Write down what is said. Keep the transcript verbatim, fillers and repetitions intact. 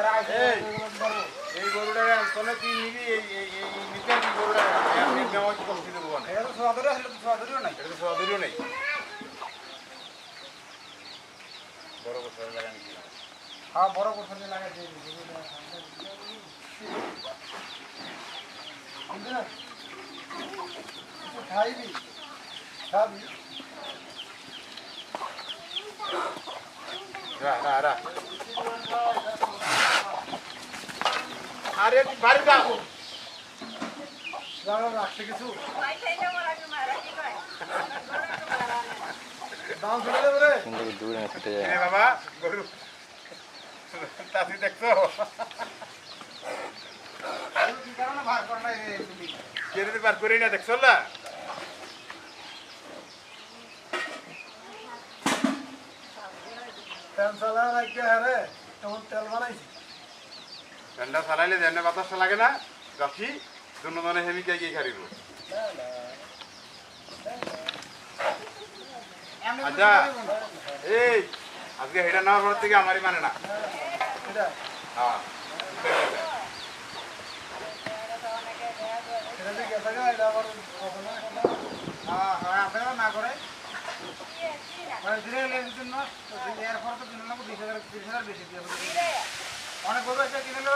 এই গরুটা তোলে তুই নিবি এই এই এই নিতে কি গরুটা আমি নেওয়া কি কম দিতে বলবো না এটা তো সদরে আসলে তো সদরেও নাই এটা তো সদরেও নাই বড় বড় লাগান কি হ্যাঁ বড় বড় লাগা দিয়ে দিবি বুঝলা খাইবি খাবি রা রা রা আরে বাড়ি যাও যাও রাখতে কিছু ভাই খাইতে আমার আগে মারা কি কয় দাও চলে যাবে রে কিন্তু দূরে না ছুটে যায় এ বাবা গরু তাতি দেখছো কি কারণে ভাগ কর না রে তুমি কেরে বার করি না দেখছো না তেল চালা লাগে আরে কেমন তেল বানাইছি ঠান্ডা চালাইলে যেন বাতাস লাগে না গাছি দুনো মানে হেমিকে গিয়ে খারিব আচ্ছা এই আজকে হেডা নেওয়ার পর থেকে আমারই মানে না হ্যাঁ হ্যাঁ না করে মানে দিনে এর জন্য এর পর তো দিনে বিশ হাজার তিরিশ হাজার বেশি দিয়ে অনেক বড় একটা কিনে